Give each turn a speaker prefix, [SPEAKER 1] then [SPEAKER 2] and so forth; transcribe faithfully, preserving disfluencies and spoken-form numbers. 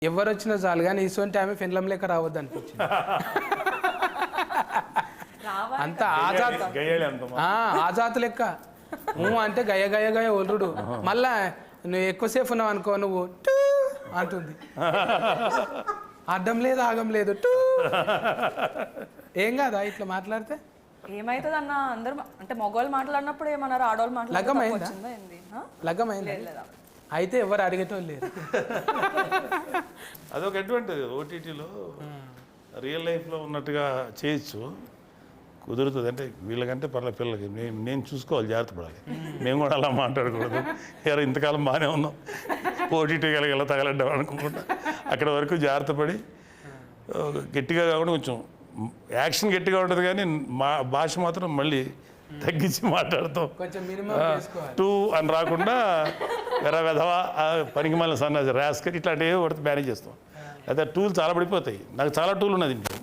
[SPEAKER 1] ఎవరు వచ్చినా చాలు కానీ ఇటువంటి ఆమె ఫిన్లం లేక రావద్దు అనిపించింది. అంత ఆజాత్ ఆజాత్ లెక్క నువ్వు అంటే గయ గయ గయ ఒల్లుడు. మళ్ళా నువ్వు ఎక్కువసేపు ఉన్నావు అనుకో నువ్వు టూ అంటుంది. అడ్డం లేదు ఆగం లేదు టూ. ఏం కాదా ఇట్లా మాట్లాడితే?
[SPEAKER 2] ఏమైతుంది అన్న, అందరు అంటే మగవాళ్ళు మాట్లాడినప్పుడు ఏమన్నారు, ఆడవాళ్ళు మాట్లాడుతుందా?
[SPEAKER 1] లగ్గమైందా? అయితే ఎవరు అడిగేటోళ్ళు లేరు.
[SPEAKER 3] అదొక అడ్వాంటేజ్. ఓటీటీలో రియల్ లైఫ్లో ఉన్నట్టుగా చేయొచ్చు, కుదురుతుంది. అంటే వీళ్ళకంటే పర్లే పిల్లలకి నేను నేను చూసుకోవాలి, జాగ్రత్త పడాలి. మేము కూడా అలా మాట్లాడకూడదు. ఎవరు ఇంతకాలం బాగానే ఉన్నాం, ఓటీటీ కలిగి ఎలా తగలడ్డాం అనుకుంటా అక్కడ వరకు జాగ్రత్త పడి గట్టిగా కాకుండా కొంచెం యాక్షన్ గట్టిగా ఉంటుంది, కానీ మా భాష మాత్రం మళ్ళీ తగ్గించి మాట్లాడతాం. టూ అని రాకుండా వెర వెధవా పనికి మళ్ళీ సన్నాసి రాస్కర్ ఇట్లాంటివి పడితే మేనేజ్ చేస్తాం. అయితే టూలు చాలా పడిపోతాయి. నాకు చాలా టూలు ఉన్నది ఇంట్లో.